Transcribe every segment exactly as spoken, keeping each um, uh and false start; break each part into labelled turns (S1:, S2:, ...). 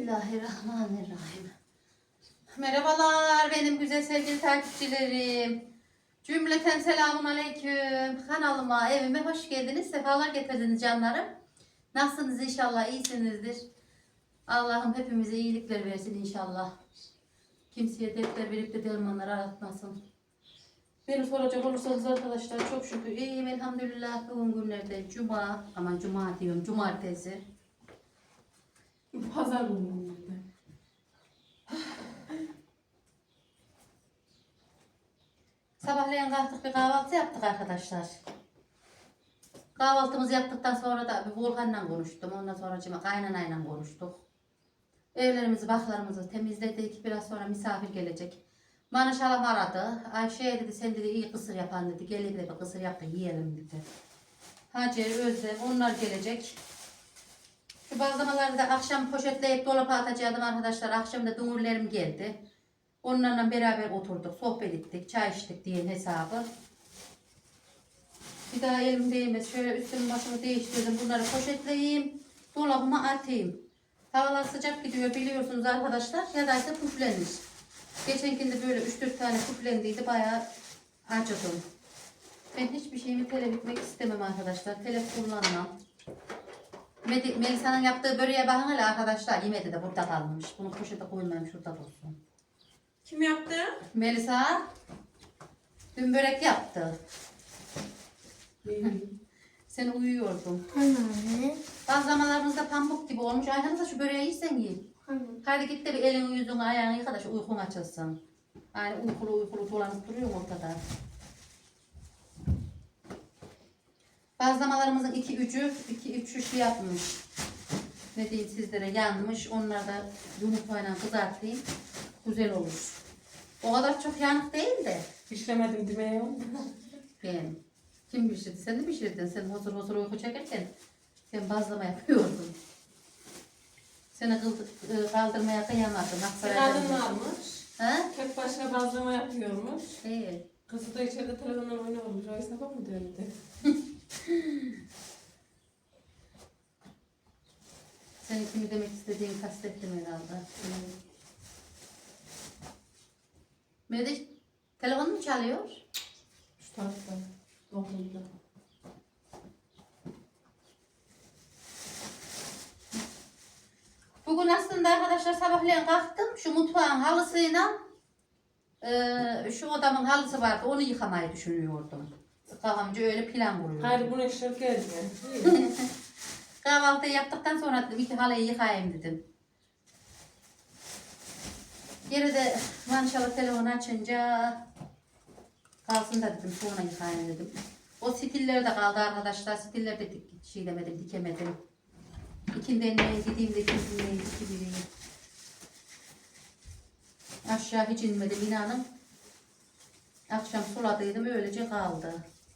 S1: Bismillahirrahmanirrahim. Merhabalar benim güzel sevgili takipçilerim. Cümleten selamun aleyküm. Kanalıma, evime hoş geldiniz. Sefalar getirdiniz canlarım. Nasılsınız inşallah? İyisinizdir. Allah'ım hepimize iyilikler versin inşallah. Kimseye dertler verip de dermanlar aratmasın. Beni soracak olursanız arkadaşlar çok şükür iyiyim elhamdülillah. Bugün günlerde cuma, aman cuma diyorum cumartesi.
S2: Pazar günü.
S1: Sabahleyin kalktık bir kahvaltı yaptık arkadaşlar. Kahvaltımızı yaptıktan sonra da bir Volkan'la konuştum. Ondan sonra cima kaynanayla konuştuk. Evlerimizi, baklarımızı temizledik. Biraz sonra misafir gelecek. Manış halam aradı. Ayşe dedi sen dedi iyi kısır yapan dedi. Gelin de bir kısır yap da yiyelim dedi. Hacer, Özlem onlar gelecek. Şu bazlamaları da akşam poşetleyip dolaba atacaktım arkadaşlar. Akşam da dumurlarım geldi. Onlarla beraber oturduk, sohbet ettik, çay içtik diye hesabı. Bir daha elim değmez. Şöyle üstümü başımı değiştirdim. Bunları poşetleyeyim, dolabıma atayım. Havalar sıcak gidiyor biliyorsunuz arkadaşlar. Ya da ise püflenir. Geçenkinde böyle üç dört tane püflendiydi. Bayağı acıdım. Ben hiçbir şeyimi telef etmek istemem arkadaşlar. Telef kullanmam. Melisa'nın yaptığı böreğe bakın hele arkadaşlar. Yemedi de burada kalmış. Bunu poşete koymayayım, şurada dursun.
S2: Kim yaptı?
S1: Melisa dün börek yaptı. Sen uyuyordun.
S3: Anne.
S1: Bazlamalarımızda pamuk gibi olmuş. Ayhan'ı da şu böreği yiysen yiyin.
S3: Anne.
S1: Hadi git de bir elini yüzünü ayağını yıka da şu uykun açılsın. Yani uykulu uykulu dolanıp duruyor ortada. Bazlamalarımızın iki üçü, iki üçü şey yapmış. Ne diyeyim sizlere yanmış. Onları da yumurtayla kızartayım. Güzel olur. O kadar çok yanık değil de.
S2: Pişiremedim demeye oldu.
S1: Ben. Kim pişirdi? Sen mi pişirdin? Sen huzur huzur uyku çekerken sen bazlama yapıyordun. Seni kıldı- kaldırmaya kıyamadım.
S2: Kadın varmış.
S1: Ha?
S2: Tek başına bazlama yapıyormuş.
S1: İyi.
S2: Kızı da içeride telefonla oynuyormuş. O hesaba mı döndü?
S1: Senin kimi demek istediğini kastettim herhalde. Mehmet telefon mu çalıyor?
S2: Şu tarafta. Dokundu.
S1: Bugün aslında arkadaşlar sabahleyin kalktım. Şu mutfağın halısıyla e, şu odamın halısı vardı. Onu yıkamayı düşünüyordum. Kafamca öyle plan kuruyordum.
S2: Hayır bunu işler geldi.
S1: Kahvaltıyı yaptıktan sonra dedim iki halıyı yıkayayım dedim. Geri de maşallah telefonu açınca kalsın da dedim sonra yıkayayım dedim. O stilleri de kaldı arkadaşlar. Stilleri de dik, şey demedim, dikemedim. İkinden neye gideyim de ikinden neye dikileyim. Aşağı hiç inmedim inanın. Akşam suladıydım öylece kaldı.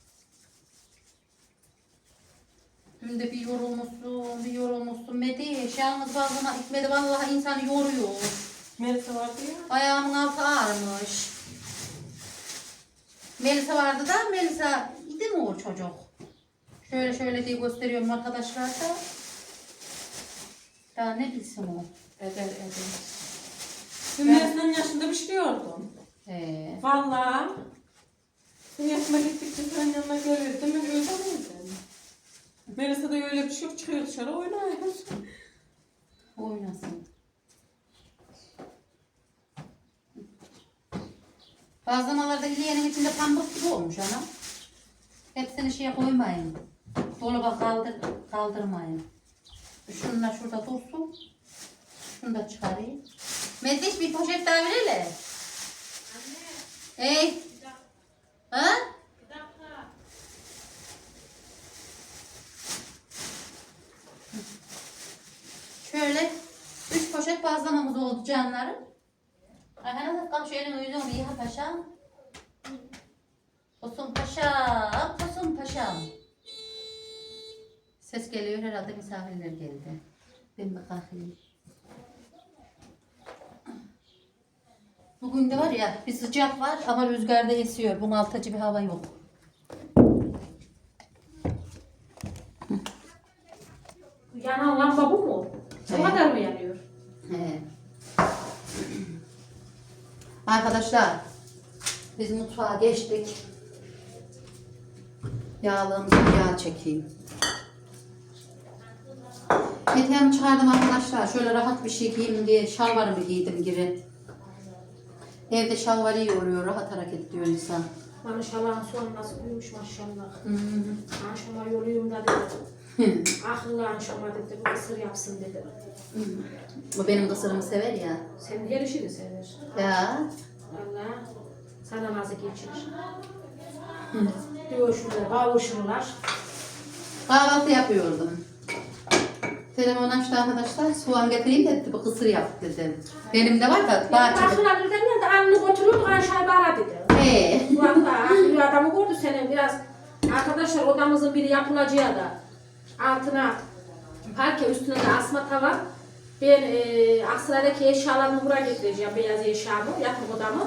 S1: Dün de bir yorulmuşsun, bir yorulmuşsun. Mediş, yalnız bazlama gitmedi. Vallahi insanı yoruyor.
S2: Melisa vardı ya.
S1: Ayağımın altı ağrımış. Melisa vardı da, Melisa idi mi o çocuk? Şöyle şöyle diye gösteriyorum arkadaşlar da. Daha ne bilsin o?
S2: Eder eder. Dün Melisa'nın yaşında pişiriyordum.
S1: He.
S2: Valla. Dün yaşıma gittikçe senin yanına gelirdim. Ben öyle miydim? Melisa da öyle bir şey yok. Çıkıyor dışarı oynuyor.
S1: Oynasın. Bazlamalarda ileyenin içinde pambık gibi olmuş ana. Hepsini şeye koymayın. Dolaba kaldır, kaldırmayın. Şunlar şurada dursun. Şunu da çıkarayım. Mediş bir poşet daha ver hele. Anne. Hey. Ha? Bir dakika. Şöyle üç poşet bazlamamız oldu canlarım. Ayhan'a da kalk şu elini yüzünü bir yıka paşam. Tosun paşam, tosun paşam. Ses geliyor herhalde misafirler geldi. Ben bir kalkayım. Bugün de var ya bir sıcak var ama rüzgarda esiyor. Bunaltıcı bir hava yok.
S2: Yanan lamba bu mu? Bu kadar mı yanıyor?
S1: He. arkadaşlar. Biz mutfağa geçtik. Yağlığımızı yağ çekeyim. Eteğimi çıkardım arkadaşlar. Şöyle rahat bir şey giyeyim diye şalvarımı giydim geri. Evde şalvarı iyi oluyor. Rahat hareket ediyor insan.
S2: Maşallah soğan nasıl büyümüş maşallah.
S1: Hı hı.
S2: Maşallah yoluyum da dedi. Akıllı anşama dedi. Bu ısır yapsın dedi.
S1: Bu benim kısırımı sever ya.
S2: Senin her işini sever.
S1: Ya.
S2: Allah sana nazı geçirir. Dövüşürler, kavuşurlar.
S1: Kahvaltı yapıyordum. Telefon açtı arkadaşlar. Soğan getireyim dedi. Bu kısır yap dedim. Benim de var da bahçede.
S2: Bakılar birden geldi, anını götürüyordu, Ayşe'yi bana dedi.
S1: He.
S2: Valla bir adamı gördü senin biraz. Arkadaşlar odamızın biri yapılacağı da altına parke üstüne de asma tavan. Ben e, Aksaray'daki eşyalarımı buraya getireceğim, beyaz eşyamı, yatak odamı.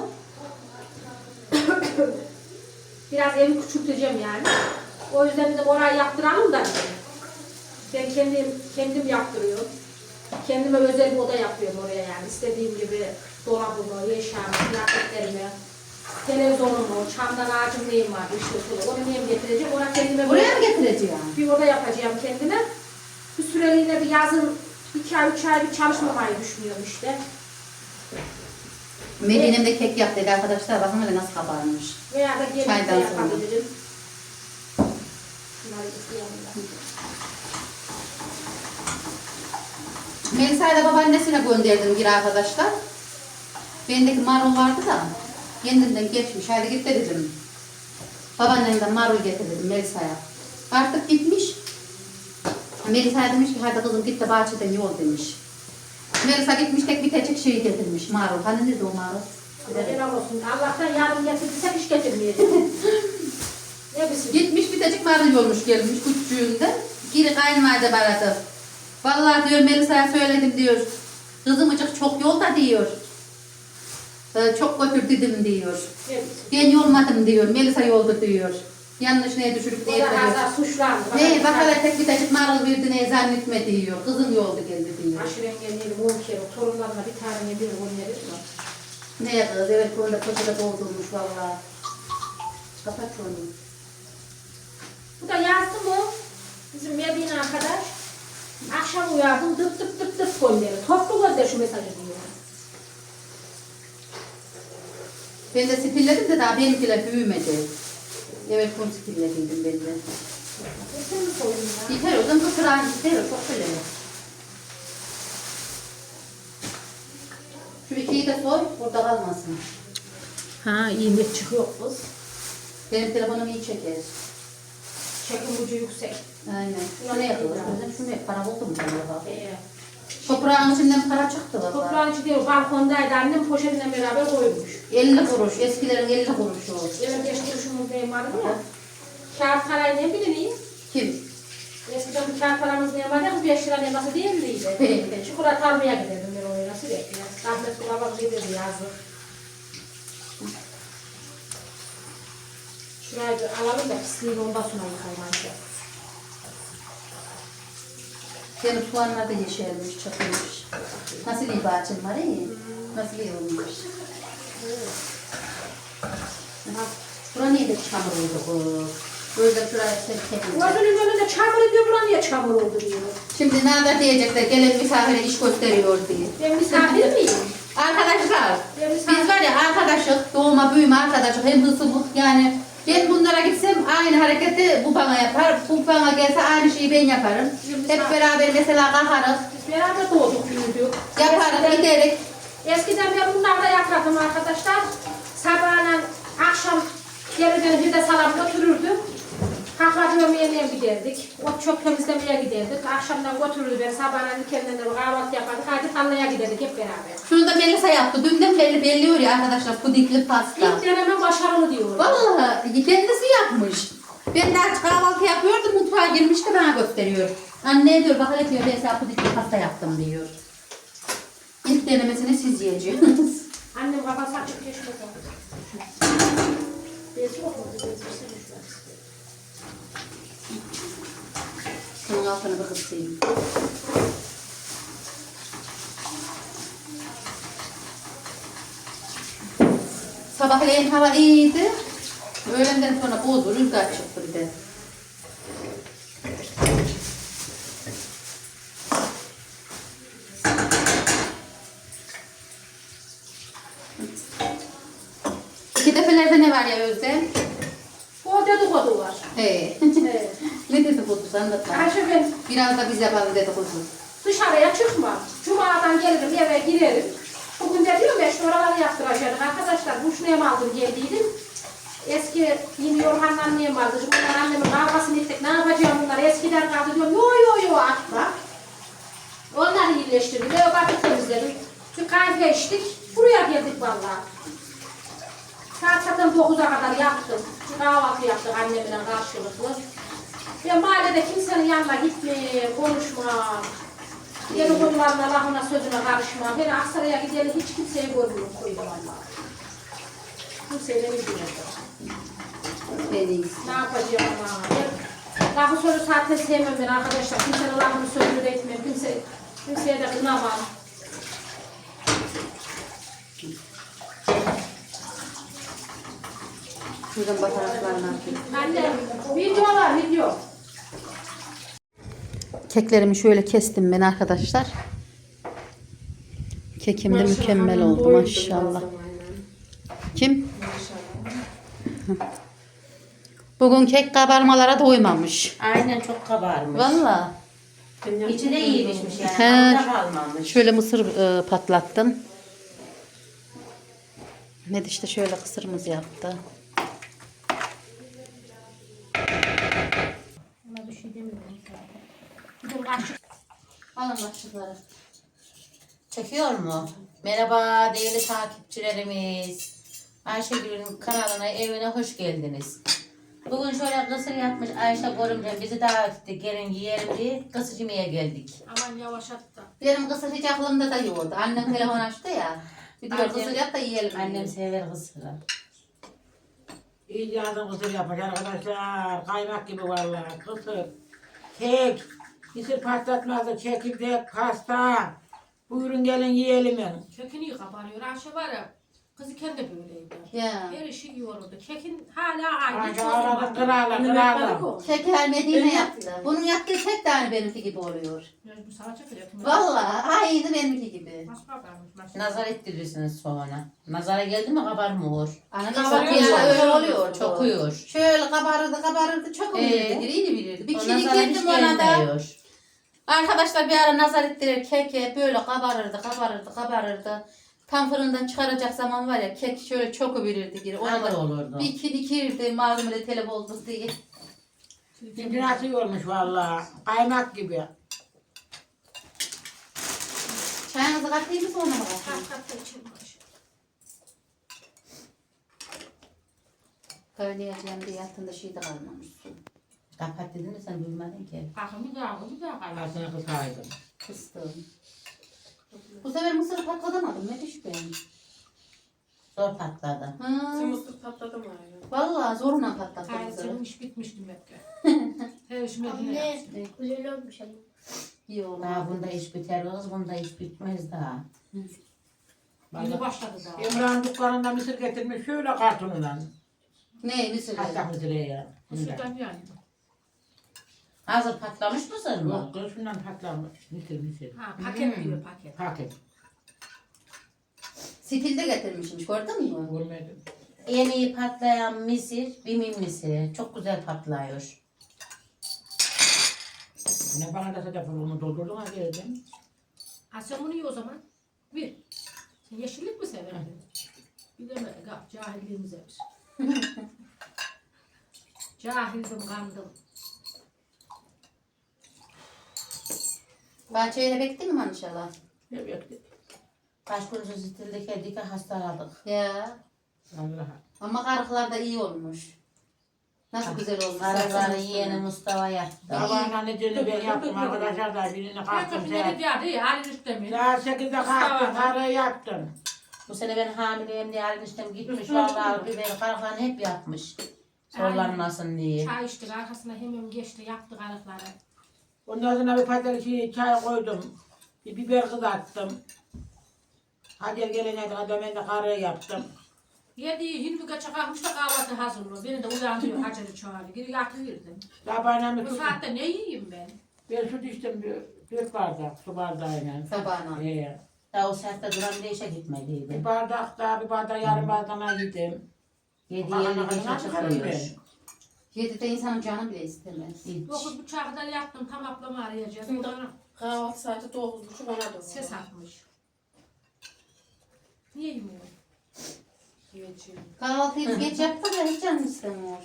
S2: Biraz evi küçülteceğim yani. O yüzden dedim orayı yaptıralım da dedim. Ben kendim, kendim yaptırıyorum. Kendime özel bir oda yapıyorum oraya yani. İstediğim gibi dolabımı, eşyamı, kıyafetlerimi, televizyonumu, çamdan ağacım neyim var, işte onu neyim getireceğim. Oraya kendime
S1: Buraya mı getireceğim?
S2: bir oda yapacağım kendime. Bir süreliğine bir yazın iki ay, üç ay bir çalışmamayı düşünüyorum işte.
S1: Medine'm de kek yap dedi arkadaşlar. Bakın öyle nasıl kabarmış.
S2: Veya da gelip de
S1: Çaydan sonra.
S2: yapabilirim. Bunları yıkayalım da.
S1: Melisa'yı da babaannesine gönderdim bir arkadaşlar. Bendeki marul vardı da kendimden geçmiş. Hadi git de dedim. Babaannemden marul getir dedim Melisa'ya. Artık gitmiş. Melisa demiş ki hadi kızım git de bahçeden yol demiş. Melisa gitmiş tek bir tecik şeyi getirmiş marul. Hani nerede o marul?
S2: Helal olsun. Allah'tan yardım getirdiyse hiç getirmeyeceğim. Ne bilsin?
S1: Gitmiş bir tecik marul yolmuş gelmiş küçüğünde. Geri kayınvalide baradı. Vallahi diyor Melisa'ya söyledim diyor. Kızımcık çok yolda diyor. Ee, çok götürdüm diyor.
S2: Ne bilsin?
S1: Ben yolmadım diyor. Melisa yoldu diyor. Yanlış neye düşürüp
S2: O
S1: neye
S2: da
S1: diyor.
S2: hazır suçlandı.
S1: Ne bak hele tek bir tecik marul verdi neye zannetme diyor. Kızım yoldu geldi diyor.
S2: Aşırı engelleyelim on kere. Torunlarına bir tane bir on verir mi?
S1: Ne kız evet konuda poşete doldurmuş vallahi. Kapat onu.
S2: Bu da yazdı mı? Bizim Medine arkadaş. Akşam uyandım dıp dıp dıp dıp gönderi. Toplu gönder şu mesajı diyor.
S1: Ben de spilledim de daha benimkiler büyümedi. Evet bunu spillediydim ben de.
S2: Sen mi soyun ya?
S1: Yeter o zaman bu kırağın yeter o çok böyle. Şu ikiyi de soy burada kalmasın.
S2: Ha iyi net çıkıyor kız.
S1: Benim telefonum iyi çeker.
S2: Çekim ucu yüksek.
S1: Aynen. Şunu yapalım. Şunu yap. Para oldu mu acaba?
S2: Ee,
S1: Toprağın içinden para çıktı valla.
S2: toprağın içi değil, balkondaydı annem poşetiyle beraber koymuş.
S1: elli kuruş. Eskilerin elli kuruşu o.
S2: Benim beş kuruşumuz benim vardı ya. Kağıt parayı ne bileyim?
S1: Kim?
S2: Eskiden bu kağıt paramız ne vardı? Bu beş lira ne nasıl değildiydi. Çikolata almaya giderdim ben oraya nasıl bekliyor. Rahmetli babam giderdi yazdı. Şurayı bir alalım da pisliğini ondan sonra yıkayım anca.
S1: Benim soğanlar da yeşermiş, çatılmış. Nasıl iyi bahçem var iyi? Nasıl iyi olmuş? Bura niye de çamur oldu bu? Böyle şuraya tek tek.
S2: Gözünün önünde çamur ediyor, buna niye çamur oldu diyor.
S1: Şimdi ne kadar diyecekler, gelen misafire iş gösteriyor diye.
S2: Ben misafir miyim?
S1: Arkadaşlar,
S2: Ben misafir.
S1: biz var ya arkadaşlık, doğma büyüme arkadaşlık, hem hırsızlık yani. Ben bunlara gitsem aynı hareketi bu bana yapar, bu bana gelse aynı şeyi ben yaparım. Hep beraber mesela kalkarız,
S2: Biz beraber doğduk, büyüdük.
S1: yaparız,
S2: Eskiden-
S1: giderek.
S2: Eskiden ben bunlarda yatardım arkadaşlar. Sabahla akşam gelirken bir de salam götürürdüm. Kahvaltı yemeğe giderdik. Ot çöp temizlemeye giderdik. Akşamdan götürürdü beni. Sabahla kendine de kahvaltı yapardık. Hadi tarlaya giderdik hep beraber.
S1: Şunu da Melisa yaptı. Dünden beri belliyor ya arkadaşlar pudingli pasta.
S2: İlk deneme başarılı diyorum.
S1: Vallahi kendisi yapmış. Ben daha kahvaltı yapıyordum mutfağa girmişti bana gösteriyor. Anne diyor bak hele diyor ben sana pudingli pasta yaptım diyor. İlk denemesini siz yiyeceksiniz.
S2: Annem kafası açık geçmedi. Bezi yok mu? Bezi
S1: Bunun altını bir kısayım. Sabahleyin hava iyiydi. Öğlenden sonra bozdu, rüzgar çıktı bir de. İki defelerde ne var ya Özlem?
S2: O dedikodu var.
S1: He.
S2: Evet.
S1: Ne dedikodusu anlatma.
S2: Ayşe ben
S1: Biraz da biz yapalım dedikodu.
S2: dışarıya çıkmam. Cuma'dan gelirim eve girerim. Bugün de diyorum ya şu oraları yaptıracaktık. Arkadaşlar bu şunu mu aldım geldiydim. Eski yeni Yorhan'la annem vardı. Bunlar annemin kavgasını ettik. Ne yapacağım bunlar? Eskiden kaldı diyorum. Yo yo yo atma. Onları iyileştirdim. Eve bakıp temizledim. Şu kahve içtik. Buraya geldik vallahi. Saat zaten dokuza kadar yaptım. Kahvaltı yaptık annemle karşılıklı. Ben mahallede kimsenin yanına gitmeyeyim, konuşmam. Yeni konularına, lafına, sözüne karışmam. Ben Aksaray'a gidelim, hiç kimseyi görmüyorum koydu vallahi. Kimseyle bilmiyorum.
S1: En iyisi.
S2: Ne yapacağım ama? Ben lafı sözü zaten sevmem ben arkadaşlar. Kimsenin lafını sözünü de etmem. Kimse, kimseye de kınamam.
S1: Şuradan bataraklarını atayım.
S2: Anne, video var, video.
S1: Keklerimi şöyle kestim ben arkadaşlar. Kekim de mükemmel oldu maşallah. Kim? Bugün kek kabarmalara doymamış.
S3: Aynen çok kabarmış.
S1: Valla.
S3: İçi de iyi pişmiş yani.
S1: He.
S3: Hamda kalmamış.
S1: Şöyle mısır e, patlattım. Ne de işte şöyle kısırımız yaptı.
S2: Ona bir şey demiyorum zaten. Gidin kaşık.
S1: Alın başlıkları.
S3: Çekiyor mu? Merhaba değerli takipçilerimiz. Ayşegül'ün kanalına, evine hoş geldiniz. Bugün şöyle kısır yapmış Ayşe Gorumcan bizi davet etti. Gelin yiyelim diye kısır yemeye geldik.
S2: Aman yavaş at da.
S1: Benim kısır hiç aklımda da yoktu. Annem telefon açtı ya. Bir diyor
S3: Annem-
S1: kısır yap da yiyelim.
S3: Annem
S1: diyor.
S3: sever kısırı.
S4: İyice adam kısır yapmış arkadaşlar. Kaymak gibi vallahi. Kısır, kek, mısır patlatmazı, çekirdek, pasta. Buyurun gelin yiyelim yani.
S2: Kekin iyi kabarıyor. Ayşe var ya. Kızıken de böyleydi.
S1: Ya.
S2: Her işi yiyordu. Kekin hala aynı.
S4: Ayşe aradı kırarla kırarla.
S1: Kek her Medine yaptı. Bunun yaptığı kek de aynı benimki gibi oluyor.
S2: Bu salça kırıyor.
S1: Vallahi aynı benimki gibi.
S2: Nasıl kabarmış maşallah.
S3: Nazar ettirirsiniz sonra. Nazara geldi mi kabarmıyor.
S1: Anne
S2: Kabarıyor,
S1: çok
S2: çok
S1: öyle
S2: oluyor.
S1: oluyor. Çok.
S3: Çokuyor.
S1: Şöyle kabarırdı kabarırdı çok
S3: Ee?
S1: bilirdi. Birini bilirdi. Bir
S3: O
S1: kişilik
S3: nazara hiç
S1: girdim ona da.
S3: gelmiyor.
S1: Arkadaşlar bir ara nazar ettirir keke böyle kabarırdı kabarırdı kabarırdı. Tam fırından çıkaracak zaman var ya kek şöyle çok bilirdi geri. Ona
S3: Hamur
S1: da
S3: olurdu.
S1: bir iki dikirdi malzemede telef oldu diye.
S4: Şimdi nasıl olmuş vallahi. Kaymak gibi.
S1: Çayınızı katlayayım mı sonra mı katlayayım?
S2: Kat kat da içim maşallah.
S1: Kaynayacağım diye altında şey de kalmamış su.
S3: Kapat dedin mi sen duymadın ki.
S2: Bakın bir daha bir daha kaybol.
S4: Aslında kısaydım.
S1: Kıstım. Bu sefer mısır patlatamadım. Ne düşük benim?
S3: Zor patladı.
S1: Ha.
S5: Mısır patladı mı aynen?
S1: Vallahi zorla patlattım
S2: Hayır
S1: mısırı.
S2: senin iş bitmiş demek ki. Her işime yine yapsın.
S5: Güzel olmuş ama.
S1: İyi oldu.
S3: Daha bunda iş biter kız, bunda iş bitmez daha.
S2: Yeni başladı daha.
S4: İmran dükkanında mısır getirmiş şöyle kartonundan.
S1: Ne mısır?
S4: Hatta mısır ya. Bundan.
S2: Mısırdan yani.
S3: Hazır patlamış mısır mı?
S4: Yok kız şundan patlamış. Mısır mısır.
S2: Ha paket
S3: Hmm.
S2: diyor paket.
S4: Paket.
S1: Stilde getirmişim. Gördün mü?
S4: Görmedim.
S3: En iyi patlayan misir, bimin misiri. Çok güzel patlıyor.
S4: Ne bana da sedef onu doldurdun ha geldim.
S2: Ha sen bunu ye o zaman. Bir. Sen yeşillik mi severdin? Bilemedik ha. Cahilliğimize bir. Cahildim kandım.
S1: Bahçeye bekledin mi inşallah?
S4: Evet.
S3: Kaç gündür stildeki dike hastaladık.
S1: Ya.
S4: Allah'a.
S1: Ama karıklar da iyi olmuş. Nasıl güzel olmuş.
S3: Sarıları
S1: Saçını
S3: yeğeni
S1: üstüne.
S3: Mustafa yaptı.
S4: Sabahına necini ben yaptım arkadaşlar da birini kalktım
S2: Herkes
S4: saat.
S2: ne dedi ya? Halin istemiyor.
S4: Saat sekizde kalktım karı yaptım.
S3: Bu sene ben hamileyim diye ayrılmıştım gitmiş vallahi biber karıklarını hep yapmış. Zorlanmasın diye.
S2: Çay içtik arkasına hemen geçti yaptı kalıkları.
S4: Ondan sonra bir patates şey, çay koydum. Bir biber kızarttım. Hadi gelene kadar ben de karı yaptım.
S2: Yediği yirmi geçe kalkmış da kahvaltı hazırlıyor. Beni de uyandırıyor Hacer'i çağırıyor. Geri yatıverdim.
S4: Sabahına
S2: Bu
S4: su,
S2: saatte ne yiyeyim ben?
S4: ben su içtim bir, bir bardak su bardağıyla.
S1: Sabahına.
S4: Ee,
S3: Daha o saatte duran bir işe
S4: bir
S3: gitmeliydi.
S4: bardak daha bir bardak yarım bardağına yedim.
S3: Yedi
S4: Ana
S3: yedi
S4: kadına
S3: beşe
S4: çıkarım
S3: çıkıyor.
S4: ben.
S1: Yedide insanın canı bile istemez.
S3: Hiç.
S2: Dokuz buçuğa kadar yattım. Tam ablamı arayacağız. Oradan
S5: Kahvaltı saati dokuz buçuk ona doğru.
S2: ses atmış. Niye yemiyorum?
S5: Yiyeceğim.
S1: Kahvaltıyı biz geç yaptık ya hiç canım istemiyor.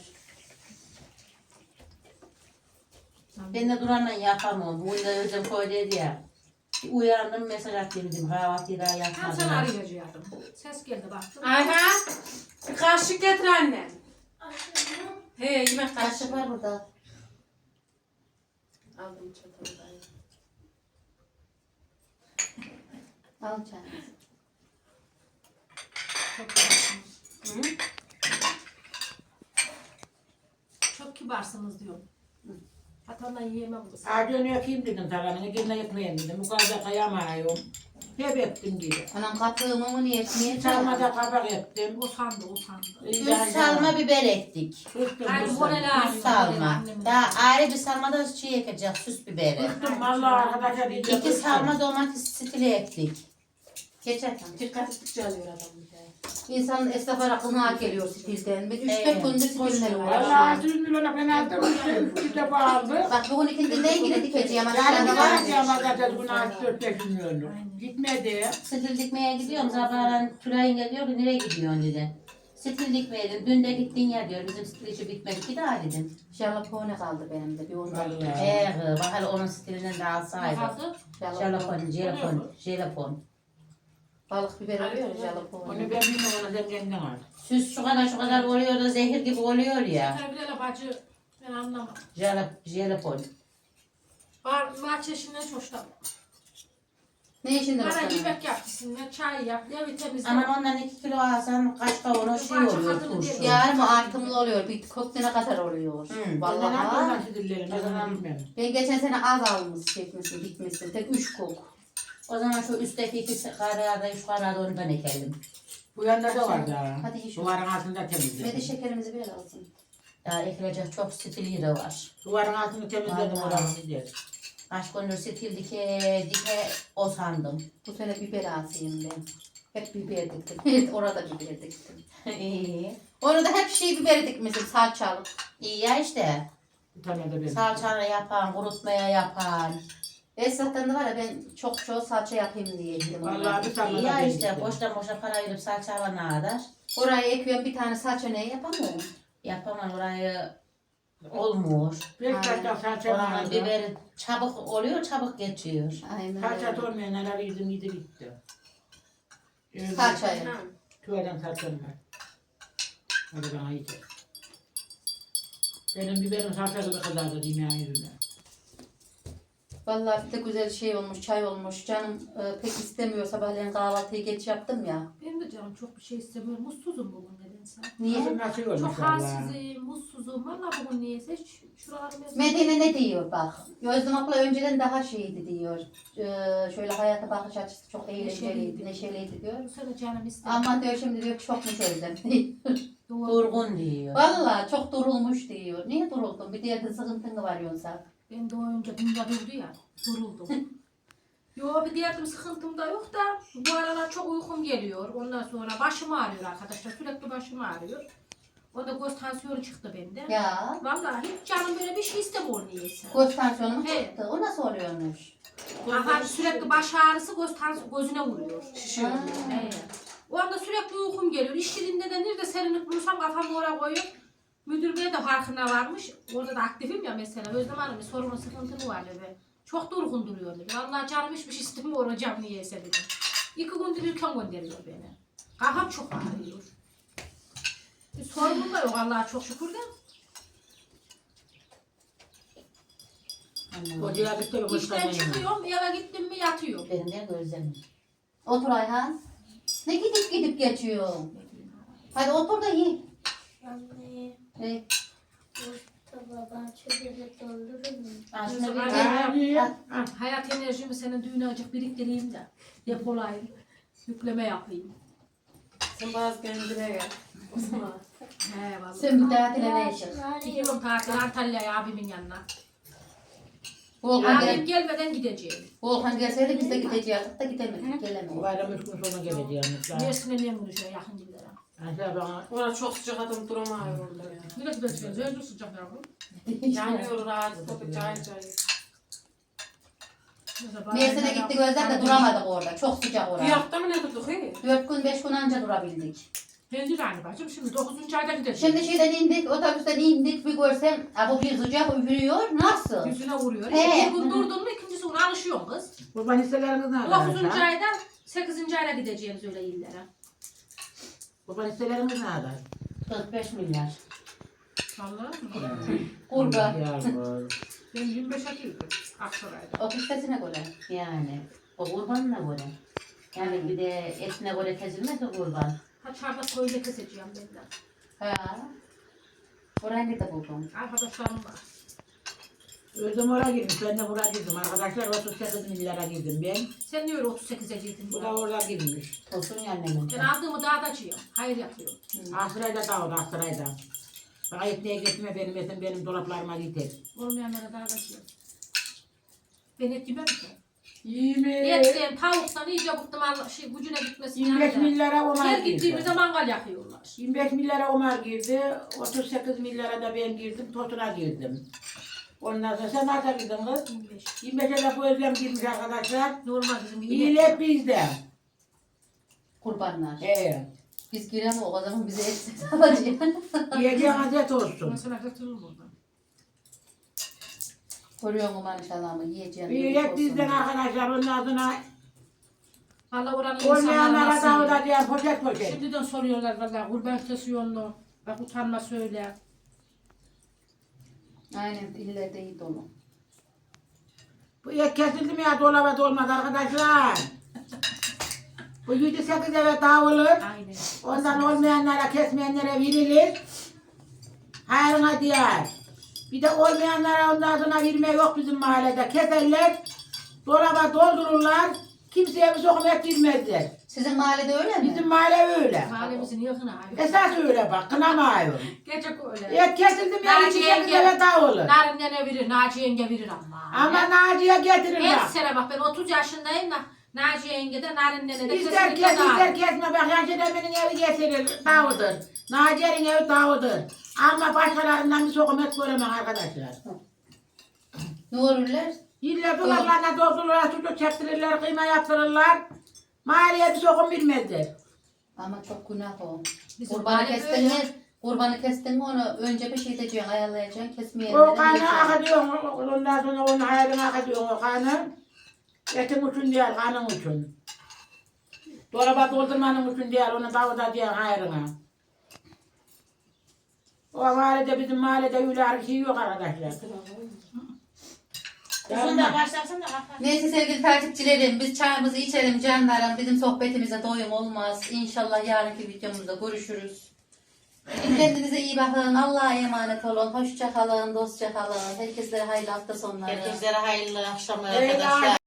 S3: Ben de duranla yapamam. Bugün de özüm koyduydu ya. Bir uyandım mesaj attım dedim. Kahvaltıyı daha
S2: Tam
S3: yapmadım.
S2: sana arayacaktım. Ses geldi baktım.
S5: Ayhan. Bir kaşık getir anne. He yemek kaşığı.
S1: Kaşık var burada.
S5: Aldım çatalda.
S1: Al canım.
S2: Çok kibarsınız. Çok kibarsınız diyorum. Hatandan yiyemem kız.
S4: Ağacı önüne yapayım dedim talanını, gene yapmayayım dedim. Bu kadar kayamıyorum. Hep ettim gibi.
S1: Anam kattığımı mı niye niye
S4: Çalmada kabak ettim.
S2: Usandı usandı.
S3: Üç salma biber ektik.
S4: Kıstım
S2: Hayır
S4: kıstım.
S2: morel
S3: Üç salma. Daha ayrı bir salma da şey ekeceğiz. Süs biberi.
S4: Kıstım vallahi arkadaşlar iyice
S3: İki
S4: kıstım.
S3: salma domates stili ektik.
S1: Geçerken.
S5: Dikkat ettikçe alıyor adam bir de.
S1: İnsanın esnaflara kına geliyor stilden. Bir üç
S3: Evet.
S1: dört gündür stilden
S4: Vallahi
S1: uğraşıyorum.
S4: yüz milyona ben aldım. Bir de bağırdı.
S1: Bak bugün ikindi ne ilgili dikeceğim
S4: Yani
S1: aşağıda
S4: bir
S1: var.
S4: var ama zaten bunu altı dört beş milyonu. Gitmedi.
S3: Stil dikmeye gidiyorum. Sabahleyin Tülay'ın geliyor ki nereye gidiyorsun dedi. Stil dikmeye dedim. Dün de gittin ya diyor. Bizim stil işi bitmedi ki daha dedim.
S1: Jalapone kaldı benim de bir ondan.
S4: Vallahi.
S3: Eee bak hele onun stilinden de
S2: Ne
S3: alsaydı.
S2: kaldı?
S3: Jalapon, jelapon, jelapon.
S1: Balık biber oluyor
S4: Onu
S1: jalapone.
S4: ben bilmiyorum, onu sen kendin al.
S3: Süs şu kadar şu kadar oluyor da zehir gibi oluyor ya.
S2: Terbiyeyle bacı ben anlamam.
S3: Jalap, jelapon.
S2: Var, bahçesinden çok hoşlanmam.
S1: Ne işinde
S2: Bana
S1: bakalım?
S2: yemek yap gitsinler, çay yap, evi temizle.
S3: Aman ondan iki kilo alsan kaç kavanoz şey oluyor turşu.
S1: Yarın mı artımlı oluyor? Bir koktene kadar oluyor.
S3: Hı.
S4: Vallahi
S1: Vallahi.
S4: nasıl dillerim,
S3: O zaman-
S4: ben bilmem.
S1: Ben geçen sene az almış çekmişsin, dikmişsin. Tek üç kok.
S3: O zaman şu üstteki iki karada, şu karada ondan ekelim.
S4: Bu yanda da var daha.
S1: Hadi iyi şu.
S4: Duvarın altında
S1: Ve de
S4: temizledim.
S1: şekerimizi bir alsın.
S3: Daha ekilecek çok stili de var.
S4: Duvarın altını temizledim
S3: Vallahi.
S4: oranı gidiyor.
S3: Kaç gündür stil dike dike o sandım.
S1: Bu sene biber asayım ben. Hep biber diktim. Evet orada biber diktim.
S3: İyi.
S1: Orada hep şey biberi dikmişim salçalı.
S3: İyi ya işte.
S4: Bir tane de ben.
S3: Salçana yapan, kurutmaya yapan.
S1: Esnaftan da var ya ben çok çok salça yapayım diye dedim.
S4: Vallahi bir tane
S3: İyi
S4: de
S3: ya
S4: ben
S3: işte
S4: gittim.
S3: boştan boşa para verip salça alana kadar.
S1: Oraya ekliyorum bir tane salça ne yapamıyorum.
S3: Yapamam orayı olmuyor.
S4: Bir kaçta salça
S3: Oranın
S4: vardı.
S3: biberi çabuk oluyor, çabuk geçiyor.
S1: Aynen
S4: Salça
S1: öyle.
S4: olmayan neler yedim yedi bitti. Ee,
S1: Salçayı.
S5: Ha.
S4: Tüveden salçam var. Hadi bana yeter. Benim biberim salçalı kadar da diyeyim yani yüzüne.
S1: Vallahi bir de güzel şey olmuş, çay olmuş. Canım e, pek istemiyor. Sabahleyin kahvaltıyı geç yaptım ya.
S2: Benim de canım çok bir şey istemiyorum. Mutsuzum bugün nedense.
S1: Niye?
S4: Nasıl nasıl olmuş
S2: Çok
S4: valla.
S2: halsizim, mutsuzum. Valla bugün niyeyse hiç şuralarım yazıyor.
S1: Medine ne diyor bak. Gözlüm abla önceden daha şeydi diyor. Ee, şöyle hayata bakış açısı çok eğlenceliydi, neşeliydi diyor.
S2: Bu sene canım istemiyor.
S1: Ama diyor şimdi diyor çok mu özlem
S2: Doğru.
S3: Durgun diyor.
S1: Vallahi çok durulmuş diyor. Niye duruldun? Bir diğerde sıkıntın mı var yoksa?
S2: Ben de o önce bunda durdu ya. Duruldum. Yo bir diğer sıkıntım da yok da bu aralar çok uykum geliyor. Ondan sonra başım ağrıyor arkadaşlar. Sürekli başım ağrıyor. O da göz tansiyonu çıktı bende.
S1: Ya.
S2: Vallahi hiç canım böyle bir şey istemiyor niyeyse.
S1: Göz tansiyonu mu
S2: He.
S1: çıktı? O nasıl oluyormuş?
S2: Aha, sürekli baş ağrısı göz tansi- gözüne vuruyor.
S5: Şişiyor.
S1: Ha.
S2: He. O anda sürekli uykum geliyor. İşçiliğinde de nerede serinlik bulursam kafamı oraya koyuyorum. Müdür bey de farkına varmış. Orada da aktifim ya mesela. Özlem Hanım bir sorunu sıkıntı mı var dedi. Çok durgun duruyor dedi. Vallahi canım hiçbir şey istemiyor hocam niyeyse dedi. İki gündür ülken gönderiyor beni. Kafam çok ağrıyor. Bir sorunum da yok Allah'a çok şükür de.
S4: O diyabette bir
S2: İşten
S4: boşlanmayın.
S2: çıkıyorum eve gittim mi yatıyorum.
S3: Benim de gözlemim.
S1: Otur Ayhan. Ne gidip gidip geçiyor? Hadi otur da ye.
S6: Anne,
S1: E,
S6: bu tabağı çöpele doldurur mu?
S3: Aslında bir
S2: Aynen.
S3: de
S4: Ha, ha.
S2: Hayat enerjimi senin düğüne acık biriktireyim de depolayayım. Yükleme yapayım.
S5: Sen bazı kendine gel. O zaman.
S2: He vallahi.
S1: Sen bir tatile ne işin?
S2: Gidiyorum tatil Antalya'ya abimin yanına.
S1: Volkan,
S2: Abim
S1: gel,
S2: gelmeden gideceğim.
S1: Volkan gelseydi biz de gidecektik da gidemedik. Gelemedik.
S4: Bayram üç gün sonra geleceğim.
S2: Mersin'e niye mi düşüyor yakın günlere?
S4: Aşağı bana
S5: Orada çok sıcak adam duramıyor orada ya.
S2: Bir de gideceğiz. Önce sıcak yavrum.
S5: Yanıyor rahat. Tabii cayır cayır.
S1: Mersin'e gittik Özlem de duramadık orada. Çok sıcak
S5: Bir
S1: orada.
S5: hafta mı ne tuttuk he?
S1: Dört gün beş gün anca durabildik.
S2: Ben de aynı bacım. Şimdi dokuzuncu ayda gideceğim.
S1: Şimdi şeyden indik, otobüsten indik bir görsem, ha bu bir sıcak üfürüyor, nasıl?
S2: Yüzüne vuruyor.
S1: He.
S2: Bir gün durdun mu ikincisi ona alışıyorsun kız.
S4: kurban hisseleriniz nerede?
S2: Dokuzuncu
S4: arkadaşlar?
S2: ayda sekizinci ayda gideceğimiz öyle illere.
S4: Kurban hisseleriniz nerede?
S1: kırk beş milyar.
S2: Vallahi mı?
S1: Kurban.
S4: Yavrum.
S2: Ben yirmi beşe girdim Aksaray'da.
S1: O kistesine göre yani. O kurbanına göre. Yani bir de etine göre kesilmez o kurban.
S2: Ha çarda koyuyla keseceğim ben de.
S1: Ha. Orayı nerede buldun?
S2: Arkadaşlarım var.
S4: Özüm oraya girmiş, ben de buraya girdim. Arkadaşlar otuz sekiz milyara girdim ben.
S2: Sen niye öyle otuz sekize girdin?
S4: Bu da oraya girmiş.
S1: Olsun annemin.
S2: Ben aldığımı dağdacıyım. Hayır yapıyorum.
S4: Aksaray'da da orada, Aksaray'da. Bana etliğe getirme benim etim, benim dolaplarıma yeter.
S2: Olmayanlara dağdacıyım. Ben et yemem ki.
S4: yirmi,
S2: Etten, tavuktan iyice bıktım Allah şey gücüne gitmesin.
S4: yirmi beş milyara Omar
S2: Her
S4: girdi.
S2: gittiğimizde mangal yakıyorlar.
S4: yirmi beş milyara Omar girdi, otuz sekiz milyara da ben girdim, Tosun'a girdim. Ondan sonra sen nerede girdin kız?
S2: yirmi beş.
S4: yirmi beşe de bu Özlem girmiş arkadaşlar.
S2: Normal bizim gibi.
S4: İyilik bizde.
S1: Kurbanlar.
S4: Evet.
S1: Biz giremiyoruz o zaman bize etsiz alacak.
S4: Yiyeceğin azet olsun.
S2: Mesela götürür buradan.
S1: Görüyor musun maşallahımı yiyeceğim.
S4: İyilik bizden arkadaşlar, ondan sonra
S2: Valla oranın insanları
S4: olmayanlara
S2: nasıl?
S4: dağıtacağım poşet poşet.
S2: Şimdiden soruyorlar valla kurban kesiyor mu? Bak utanma söyle.
S1: Aynen illerde iyi dolu.
S4: Bu et kesildi mi ya dolaba dolmaz arkadaşlar. Bu yedi sekiz eve dağılır.
S2: Aynen.
S4: Ondan olmayanlara, kesmeyenlere verilir. Hayrına diğer. Bir de olmayanlara ondan sonra verme yok bizim mahallede. Keserler, dolaba doldururlar. Kimseye bir sokum et vermezler.
S1: Sizin mahallede öyle mi?
S4: Bizim mahalle öyle.
S2: Mahallemizin yakını abi.
S4: Esas öyle bak, kınamıyorum.
S2: Gerçek öyle.
S4: Et kesildi mi ya
S2: Naci
S4: yedi sekiz
S2: yenge-
S4: eve dağılır.
S2: Narin nene verir, Naci yenge verir ama.
S4: Ama Naci'ye getirir
S2: Her
S4: bak.
S2: sene bak ben otuz yaşındayım da Naci yenge de Narin nene de
S4: İster
S2: kesinlikle
S4: kes, ister
S2: dağılır.
S4: kesme bak Yaşar Emin'in evi getirir, dağıdır. Naciye'nin evi dağıdır. Ama başkalarından bir sokum et göremem arkadaşlar.
S1: Ne olurlar?
S4: İlla dolaplarına doldururlar, sucuk çektirirler, kıyma yaptırırlar. Mahalleye bir sokum bilmezler.
S1: Ama çok günah o.
S2: Bizim
S1: Kurbanı
S2: mahalle
S1: kestin
S2: böyle.
S1: mi? Kurbanı kestin mi onu önce bir şey edeceksin, ayarlayacaksın, kesmeye
S4: O kanı akıtıyorsun, ondan sonra onun hayalini akıtıyorsun o kanı. Etin için değil, kanın için. Dolaba doldurmanın için değil, onu dağıtacaksın hayrına. O mahallede, bizim mahallede öyle bir şey yok arkadaşlar.
S3: Uzun da başlasın da kapat.
S1: Neyse sevgili takipçilerim, biz çayımızı içelim canlarım. Bizim sohbetimize doyum olmaz. İnşallah yarınki videomuzda görüşürüz. Kendinize iyi bakın. Allah'a emanet olun. Hoşça kalın, dostça kalın. Herkese hayırlı hafta sonları.
S3: Herkese hayırlı akşamlar
S4: Eyvallah.
S3: arkadaşlar.